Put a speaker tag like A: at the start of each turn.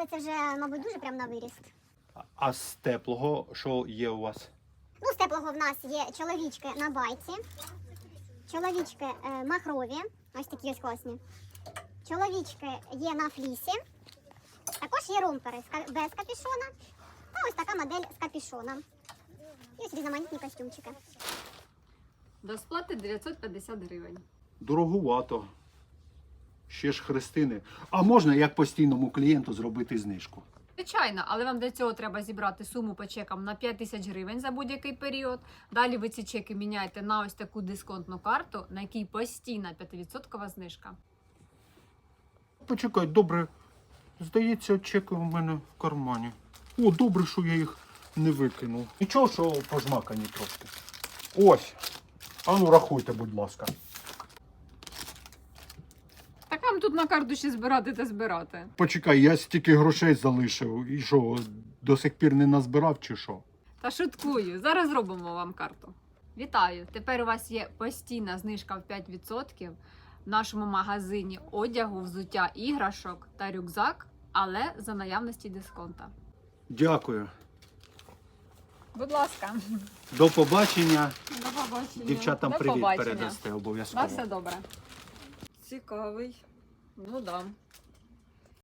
A: але це вже, мабуть, дуже прям на виріст.
B: А з теплого що є у вас?
A: Ну, з теплого в нас є чоловічки на байці, чоловічки махрові, ось такі ось класні. Чоловічки є на флісі, також є ромпери без капюшона та ось така модель з капюшоном. І ось різноманітні костюмчики.
C: До сплати 950 гривень.
B: Дороговато. Ще ж хрестини. А можна як постійному клієнту зробити знижку?
C: Звичайно, але вам для цього треба зібрати суму по чекам на 5 тисяч гривень за будь-який період. Далі ви ці чеки міняєте на ось таку дисконтну карту, на якій постійна 5% знижка.
B: Почекай, добре. Здається, чеки у мене в кармані. О, добре, що я їх не викинув. Нічого, що пожмакані трошки. Ось. Ану, рахуйте, будь ласка.
C: Так вам тут на карту ще збирати та збирати.
B: Почекай, я стільки грошей залишив. І що, до сих пір не назбирав чи що?
C: Та шуткую, зараз зробимо вам карту. Вітаю! Тепер у вас є постійна знижка в 5% в нашому магазині одягу, взуття, іграшок та рюкзак, але за наявності дисконта.
B: Дякую.
C: Будь ласка.
B: До побачення.
C: До побачення.
B: Дівчатам
C: До
B: привіт
C: побачення.
B: передасте
C: На
B: обов'язково.
C: все добре. Цікавий. Ну да.